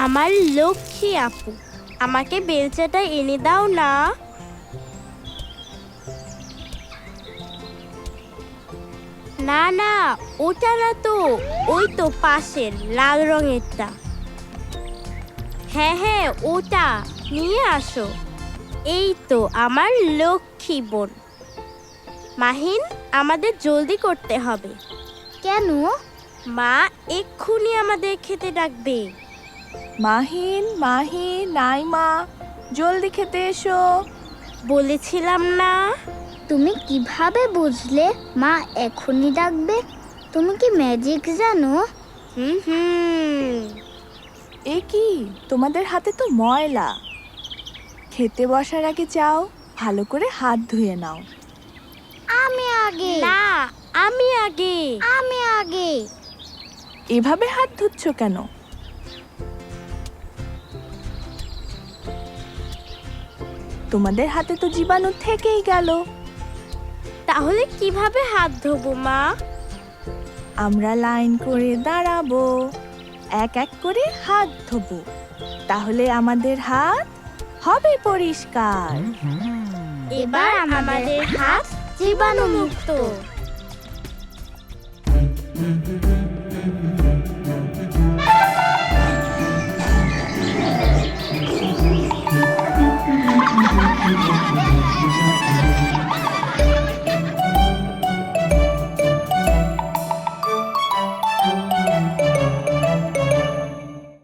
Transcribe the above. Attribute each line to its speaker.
Speaker 1: আমার লক্ষ্মী আপু, আমাকে বেলচাটা এনে দাও না। না না, ওটা না তো, ওই তো পাশের লাল রঙেরটা। হ্যাঁ হ্যাঁ, ওটা নিয়ে আসো। এই তো আমার লক্ষ্মী বোন। মাহিন, আমাদের জলদি করতে হবে।
Speaker 2: কেন?
Speaker 1: মা এক্ষুনি আমাদের খেতে ডাকবে।
Speaker 3: মাহিন, মাহিন, নাইমা, জলদি খেতে এসো।
Speaker 1: বলেছিলাম না।
Speaker 2: তুমি কিভাবে বুঝলে মা এখনই ডাকবে? তুমি কি ম্যাজিক জানো?
Speaker 1: হুম।
Speaker 3: এ কি, তোমাদের হাতে তো ময়লা। খেতে বসার আগে যাও, ভালো করে হাত ধুয়ে নাও।
Speaker 2: আমি আগে।
Speaker 1: না, আমি আগে।
Speaker 2: আমি আগে।
Speaker 3: এভাবে হাত ধুচ্ছ কেন? তোমাদের হাতে তো জীবাণু থেকেই গেল।
Speaker 1: তাহলে কিভাবে হাত ধোবো মা?
Speaker 3: আমরা লাইন করে দাঁড়াবো, এক এক করে হাত ধোবো, তাহলে আমাদের হাত হবে পরিষ্কার।
Speaker 1: এবার আমাদের হাত জীবাণুমুক্ত।